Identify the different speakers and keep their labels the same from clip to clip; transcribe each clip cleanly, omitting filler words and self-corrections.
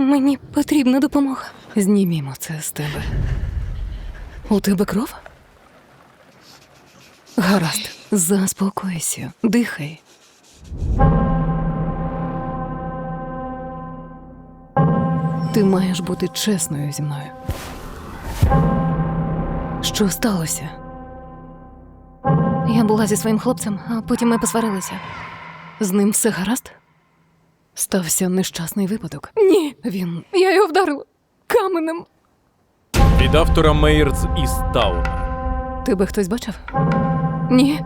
Speaker 1: Мені потрібна допомога. Знімімо це з тебе. У тебе кров? Гаразд, заспокойся, дихай. Ти маєш бути чесною зі мною. Що сталося? Я була зі своїм хлопцем, а потім ми посварилися. З ним все гаразд? Стався нещасний випадок. Ні, я його вдарила каменем.
Speaker 2: Від автора Мейерс із Тауна.
Speaker 1: Тебе хтось бачив? Ні.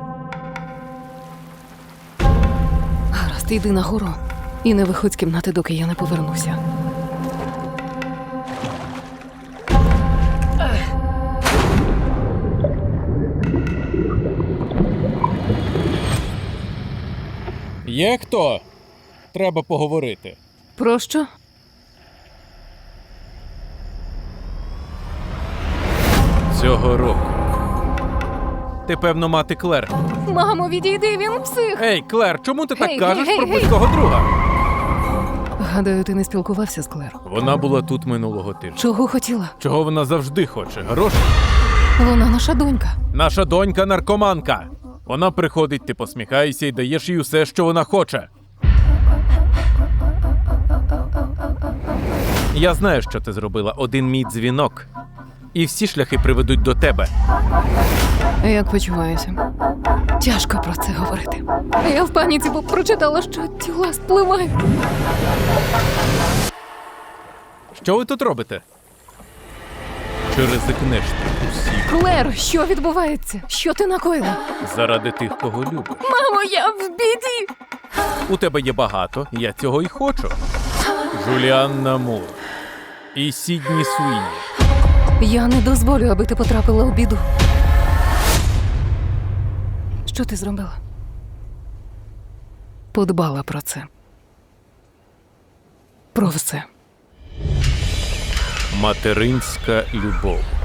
Speaker 1: Гаразд, йди нагору і не виходь з кімнати, доки я не повернуся.
Speaker 2: Є хто? Треба поговорити.
Speaker 1: Про що?
Speaker 2: Цього року. Ти, певно, мати Клер.
Speaker 1: Мамо, відійди, він псих!
Speaker 2: Ей, Клер, чому ти так
Speaker 1: Гей,
Speaker 2: кажеш
Speaker 1: гей,
Speaker 2: про
Speaker 1: гей,
Speaker 2: близького друга?
Speaker 1: Гадаю, ти не спілкувався з Клер.
Speaker 2: Вона була тут минулого тижня.
Speaker 1: Чого хотіла?
Speaker 2: Чого вона завжди хоче? Гроші?
Speaker 1: Вона наша донька.
Speaker 2: Наша донька наркоманка. Вона приходить, ти посміхаєшся і даєш їй усе, що вона хоче. Я знаю, що ти зробила. Один мій дзвінок. І всі шляхи приведуть до тебе.
Speaker 1: Як почуваюся? Тяжко про це говорити. Я в паніці, бо прочитала, що тіла спливають.
Speaker 2: Що ви тут робите? Чи ризикнеш ти усіх
Speaker 1: Клер, що відбувається? Що ти накоїла?
Speaker 2: заради тих, кого любиш?
Speaker 1: Мамо, я в біді!
Speaker 2: У тебе є багато, я цього й хочу. Джуліанна Мур і Сідні Суїні.
Speaker 1: Я не дозволю, аби ти потрапила у біду. Що ти зробила? Подбала про це. Про все.
Speaker 2: Материнська любов.